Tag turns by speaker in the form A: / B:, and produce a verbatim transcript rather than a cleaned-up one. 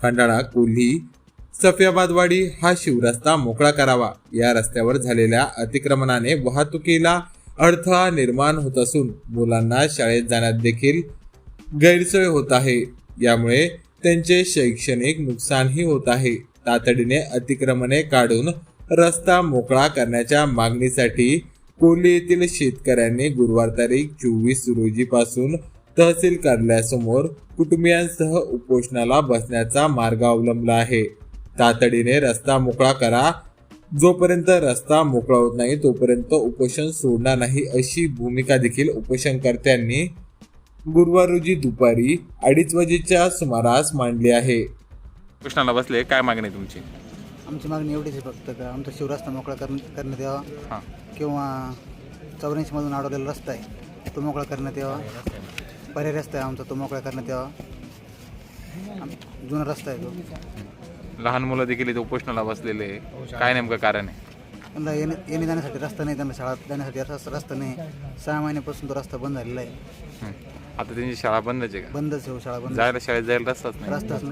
A: खंडाळा कोल्ही सफियाबादवाडी हा शिवरस्ता मोकळा करावा। या रस्त्यावर झालेल्या अतिक्रमणाने वाहतुकीला अडथळा निर्माण होत असून मुलांना शाळेत जाण्यात देखील गैरसोय होत आहे। यामुळे त्यांचे शैक्षणिक नुकसानही होत आहे। तातडीने अतिक्रमणे काढून रस्ता मोकळा करण्याच्या मागणीसाठी कोल्ही येथील शेतकऱ्यांनी गुरुवार तारीख चोवीस रोजी पासून तहसील कार्यालयासमोर कुटुंबियांसह उपोषणाला बसण्याचा मार्ग अवलंबला आहे। तातडीने रस्ता मोकळा करा, जोपर्यंत रस्ता मोकळा होत नाही तोपर्यंत उपोषण सोडणार नाही, अशी भूमिका देखील उपोषणकर्त्यांनी गुरुवार रोजी दुपारी अडीच वाजेच्या सुमारास मांडली आहे।
B: उपोषणाला बसले, काय मागणी आहे तुमची?
C: आमची मागणी एवढीच आहे फक्त का आमचा शिवरस्ता मोकळा कर करण्यात यावा
B: हां
C: किंवा चौऱ्याऐंशीमधून अडवलेला रस्ता आहे तो मोकळा करण्यात यावा। पर्याय रस्ता आहे आमचा तो मोकळा करण्यात यावा। आम- जुना रस्ता आहे तो।
B: लहान मुलं देखील इथे उपोषणाला बसलेले आहे. काय नेमकं कारण आहे?
C: त्यांना येणे येणे जाण्यासाठी रस्ता नाही, त्यांना शाळा जाण्यासाठी रस्ता रस्ता नाही। सहा महिन्यापासून तो रस्ता बंद झालेला आहे।
B: हं. आता त्यांची शाळा बंदच आहे का?
C: बंदच आहे हो, शाळा बंद,
B: जायला शाळेत जायला रस्ताच नाही.
C: रस्ताच नाही।